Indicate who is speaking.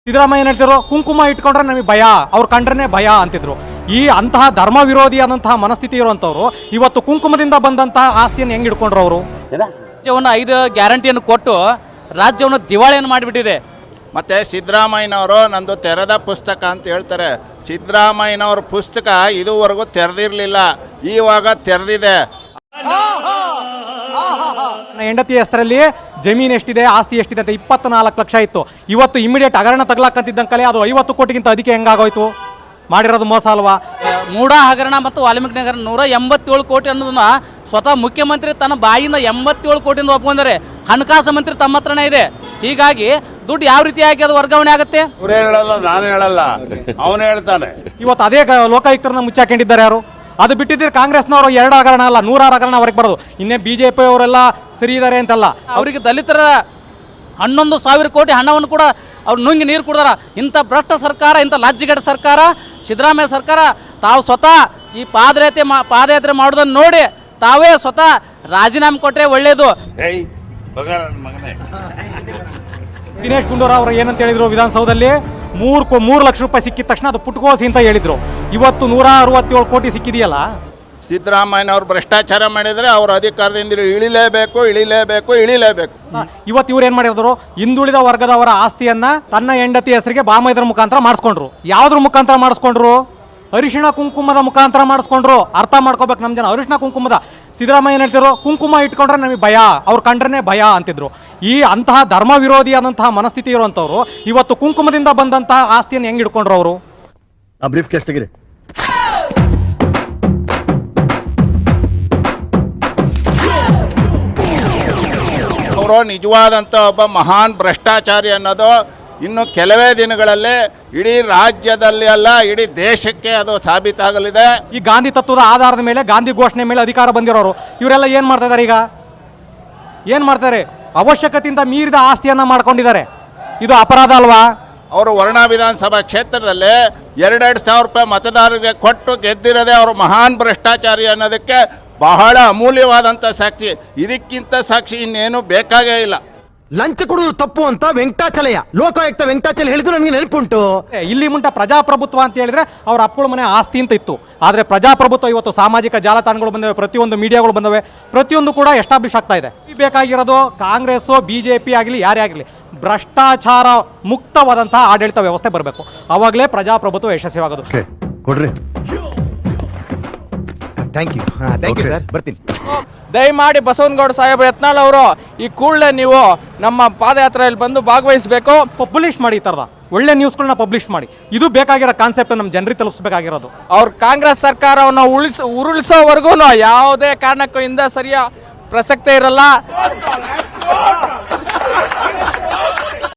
Speaker 1: ಸಿದ್ದರಾಮಯ್ಯ ಹೇಳ್ತಿರೋ ಕುಂಕುಮ ಇಟ್ಕೊಂಡ್ರೆ ನಮಗೆ ಭಯ, ಅವ್ರು ಕಂಡ್ರೆ ಭಯ ಅಂತಿದ್ರು. ಈ ಅಂತಹ ಧರ್ಮ ವಿರೋಧಿ ಆದಂತಹ ಮನಸ್ಥಿತಿ ಇರುವಂತವ್ರು ಇವತ್ತು ಕುಂಕುಮದಿಂದ ಬಂದಂತಹ ಆಸ್ತಿಯನ್ನು ಹೆಂಗ್ ಇಟ್ಕೊಂಡ್ರು ಅವರು?
Speaker 2: ರಾಜ್ಯವನ್ನು 5 ಗ್ಯಾರಂಟಿಯನ್ನು ಕೊಟ್ಟು ರಾಜ್ಯವನ್ನು ದಿವಾಳಿಯನ್ನು ಮಾಡಿಬಿಟ್ಟಿದೆ.
Speaker 3: ಮತ್ತು ಸಿದ್ದರಾಮಯ್ಯನವರು ನಂದು ತೆರೆದ ಪುಸ್ತಕ ಅಂತ ಹೇಳ್ತಾರೆ. ಸಿದ್ದರಾಮಯ್ಯನವ್ರ ಪುಸ್ತಕ ಇದುವರೆಗೂ ತೆರೆದಿರಲಿಲ್ಲ, ಇವಾಗ ತೆರೆದಿದೆ.
Speaker 1: ಹೆಂಡತಿ ಹೆಸರಲ್ಲಿ ಜಮೀನು ಎಷ್ಟಿದೆ, ಆಸ್ತಿ ಎಷ್ಟಿದೆ ಅಂತ 24 ಲಕ್ಷ ಇತ್ತು. ಇವತ್ತು ಇಮಿಡಿಯೇಟ್ ಹಗರಣ ತಗಲಾಕಂತಿದ್ದಂಕಲೆ ಅದು 50 ಕೋಟಿಗಿಂತ ಅದಕ್ಕೆ ಹೆಂಗಾಗೋಯ್ತು? ಮಾಡಿರೋದು ಮೋಸ ಅಲ್ವಾ?
Speaker 2: ಮೂಡ ಹಗರಣ ಮತ್ತು ವಾಲ್ಮೀಕಿ ನಗರ 187 ಕೋಟಿ ಅನ್ನೋದನ್ನ ಸ್ವತಃ ಮುಖ್ಯಮಂತ್ರಿ ತನ್ನ ಬಾಯಿಂದ 87 ಕೋಟಿಯಿಂದ ಒಪ್ಕೊಂಡರೆ. ಹಣಕಾಸು ಮಂತ್ರಿ ತಮ್ಮ ಹತ್ರನೇ ಇದೆ. ಹೀಗಾಗಿ ದುಡ್ಡು ಯಾವ ರೀತಿಯಾಗಿ ಅದು ವರ್ಗಾವಣೆ ಆಗುತ್ತೆ?
Speaker 3: ಅವರೇ ಹೇಳಲ್ಲ, ನಾನು ಹೇಳಲ್ಲ, ಅವನು ಹೇಳ್ತಾನೆ.
Speaker 1: ಇವತ್ತು ಅದೇ ಲೋಕಾಯುಕ್ತರನ್ನ ಮುಚ್ಚಾಕೊಂಡಿದ್ದಾರೆ ಯಾರು? ಅದು ಬಿಟ್ಟಿದ್ರೆ ಕಾಂಗ್ರೆಸ್ನವರು 2 ಹಗರಣ ಅಲ್ಲ 100 ಹಗರಣ ಹೊರಗೆ ಬರೋದು. ಇನ್ನೇ BJP ಅವರೆಲ್ಲ ಸರಿ ಇದ್ದಾರೆ ಅಂತಲ್ಲ.
Speaker 2: ಅವರಿಗೆ ದಲಿತರ 11,000 ಕೋಟಿ ಹಣವನ್ನು ಕೂಡ ಅವ್ರು ನುಂಗಿ ನೀರು ಕುಡ್ದಾರ. ಇಂಥ ಭ್ರಷ್ಟ ಸರ್ಕಾರ, ಇಂಥ ಲಾಜ್ಜಿಗಡ ಸರ್ಕಾರ ಸಿದ್ದರಾಮಯ್ಯ ಸರ್ಕಾರ ತಾವು ಸ್ವತಃ ಈ ಪಾದಯಾತ್ರೆ ಮಾಡೋದನ್ನು ನೋಡಿ ತಾವೇ ಸ್ವತಃ ರಾಜೀನಾಮೆ ಕೊಟ್ಟರೆ ಒಳ್ಳೆಯದು.
Speaker 1: ದಿನೇಶ್ ಗುಂಡೂರಾವ್ ಅವರು ಏನಂತ ಹೇಳಿದ್ರು ವಿಧಾನಸೌಧದಲ್ಲಿ? 3 ಲಕ್ಷ ರೂಪಾಯಿ ಸಿಕ್ಕಿದ ತಕ್ಷಣ ಅದು ಪುಟ್ಕೋಸಿ ಅಂತ ಹೇಳಿದ್ರು. ಇವತ್ತು 167 ಕೋಟಿ ಸಿಕ್ಕಿದೆಯಲ್ಲ.
Speaker 3: ಸಿದ್ದರಾಮಯ್ಯನವ್ರು ಭ್ರಷ್ಟಾಚಾರ ಮಾಡಿದರೆ ಅವ್ರ ಅಧಿಕಾರದಿಂದ ಇಳಿಲೇಬೇಕು.
Speaker 1: ಇವತ್ತು ಇವ್ರು ಏನು ಮಾಡಿದ್ರು? ಹಿಂದುಳಿದ ವರ್ಗದವರ ಆಸ್ತಿಯನ್ನ ತನ್ನ ಹೆಂಡತಿ ಹೆಸರಿಗೆ ಬಾಮೈದರ ಮುಖಾಂತರ ಮಾಡಿಸ್ಕೊಂಡ್ರು. ಯಾವ್ದ್ರ ಮುಖಾಂತರ ಮಾಡಿಸ್ಕೊಂಡ್ರು? ಅರಿಶಿಣ ಕುಂಕುಮದ ಮುಖಾಂತರ ಮಾಡಿಸ್ಕೊಂಡ್ರು. ಅರ್ಥ ಮಾಡ್ಕೋಬೇಕು ನಮ್ಮ ಜನ. ಅರಿಶಿಣ ಕುಂಕುಮದ ಸಿದ್ದರಾಮಯ್ಯ ಹೇಳ್ತಿರೋ ಕುಂಕುಮ ಇಟ್ಕೊಂಡ್ರೆ ನಮಗೆ ಭಯ, ಅವ್ರು ಕಂಡ್ರೆ ಭಯ ಅಂತಿದ್ರು. ಈ ಅಂತಹ ಧರ್ಮ ವಿರೋಧಿ ಆದಂತಹ ಮನಸ್ಥಿತಿ ಇರುವಂತವ್ರು ಇವತ್ತು ಕುಂಕುಮದಿಂದ ಬಂದಂತಹ ಆಸ್ತಿಯನ್ನು ಹೆಂಗ್ ಇಟ್ಕೊಂಡ್ರು ಅವರು?
Speaker 4: ಬ್ರೀಫ್ ಕೇಸ್ ತೆಗಿರಿ.
Speaker 3: ಅವರು ನಿಜವಾದಂಥ ಒಬ್ಬ ಮಹಾನ್ ಭ್ರಷ್ಟಾಚಾರಿ ಅನ್ನೋದು ಇನ್ನು ಕೆಲವೇ ದಿನಗಳಲ್ಲೇ ಇಡೀ ರಾಜ್ಯದಲ್ಲಿ ಅಲ್ಲ, ಇಡೀ ದೇಶಕ್ಕೆ ಅದು ಸಾಬೀತಾಗಲಿದೆ.
Speaker 1: ಈ ಗಾಂಧಿ ತತ್ವದ ಆಧಾರದ ಮೇಲೆ, ಗಾಂಧಿ ಘೋಷಣೆ ಮೇಲೆ ಅಧಿಕಾರ ಬಂದಿರೋರು ಇವರೆಲ್ಲ ಏನು ಮಾಡ್ತಾ ಇದ್ದಾರೆ? ಈಗ ಏನು ಮಾಡ್ತಾರೆ? ಅವಶ್ಯಕತೆಯಿಂದ ಮೀರಿದ ಆಸ್ತಿಯನ್ನು ಮಾಡ್ಕೊಂಡಿದ್ದಾರೆ. ಇದು ಅಪರಾಧ ಅಲ್ವಾ?
Speaker 3: ಅವರು ವರ್ಣ ವಿಧಾನಸಭಾ ಕ್ಷೇತ್ರದಲ್ಲಿ 2,000 ರೂಪಾಯಿ ಮತದಾರರಿಗೆ ಕೊಟ್ಟು ಗೆದ್ದಿರೋದೇ ಅವರು ಮಹಾನ್ ಭ್ರಷ್ಟಾಚಾರಿ ಅನ್ನೋದಕ್ಕೆ ಬಹಳ ಅಮೂಲ್ಯವಾದಂಥ ಸಾಕ್ಷಿ. ಇದಕ್ಕಿಂತ ಸಾಕ್ಷಿ ಇನ್ನೇನು ಬೇಕಾಗೇ ಇಲ್ಲ.
Speaker 4: ಲಂಚ ಕೊಡುವುದು ತಪ್ಪು ಅಂತ ಲೋಕಾಯುಕ್ತ ವೆಂಕಟಾಚಲ ಹೇಳಿದ್ರು ನನಗೆ ನೆನಪುಂಟು.
Speaker 1: ಇಲ್ಲಿ ಮುಂಟ ಪ್ರಜಾಪ್ರಭುತ್ವ ಅಂತ ಹೇಳಿದ್ರೆ ಅವ್ರ ಅಪ್ಪಳ ಮನೆ ಆಸ್ತಿ ಅಂತ ಇತ್ತು. ಆದರೆ ಪ್ರಜಾಪ್ರಭುತ್ವ ಇವತ್ತು ಸಾಮಾಜಿಕ ಜಾಲತಾಣಗಳು ಬಂದವೆ, ಪ್ರತಿಯೊಂದು ಮೀಡಿಯಾಗಳು ಬಂದವೆ, ಪ್ರತಿಯೊಂದು ಕೂಡ ಎಸ್ಟಾಬ್ಲಿಷ್ ಆಗ್ತಾ ಇದೆ. ಬೇಕಾಗಿರೋದು ಕಾಂಗ್ರೆಸ್ BJP ಆಗಲಿ ಯಾರೇ ಆಗಲಿ ಭ್ರಷ್ಟಾಚಾರ ಮುಕ್ತವಾದಂತಹ ಆಡಳಿತ ವ್ಯವಸ್ಥೆ ಬರಬೇಕು. ಅವಾಗಲೇ ಪ್ರಜಾಪ್ರಭುತ್ವ ಯಶಸ್ವಿಯಾಗೋದು.
Speaker 4: ಕೊಡ್ರಿ. ಥ್ಯಾಂಕ್ ಯು ಸರ್, ಬರ್ತೀನಿ.
Speaker 5: ದಯಮಾಡಿ ಬಸವನಗೌಡ ಸಾಹೇಬ್ ಯತ್ನಾಳ್ ಅವರು ಈ ಕೂಡಲೇ ನೀವು ನಮ್ಮ ಪಾದಯಾತ್ರೆಯಲ್ಲಿ ಬಂದು ಭಾಗವಹಿಸಬೇಕು.
Speaker 1: ಪಬ್ಲಿಷ್ ಮಾಡಿ, ಈ ಥರದ ಒಳ್ಳೆ ನ್ಯೂಸ್ಗಳನ್ನ ಪಬ್ಲಿಷ್ ಮಾಡಿ. ಇದು ಬೇಕಾಗಿರೋ ಕಾನ್ಸೆಪ್ಟ್ ನಮ್ಮ ಜನರಿಗೆ ತಲುಪಿಸಬೇಕಾಗಿರೋದು.
Speaker 5: ಅವ್ರ ಕಾಂಗ್ರೆಸ್ ಸರ್ಕಾರವನ್ನು ಉರುಳಿಸೋವರೆಗೂ ಯಾವುದೇ ಕಾರಣಕ್ಕೂ ಸರಿಯ ಪ್ರಸಕ್ತಿ ಇರಲ್ಲ.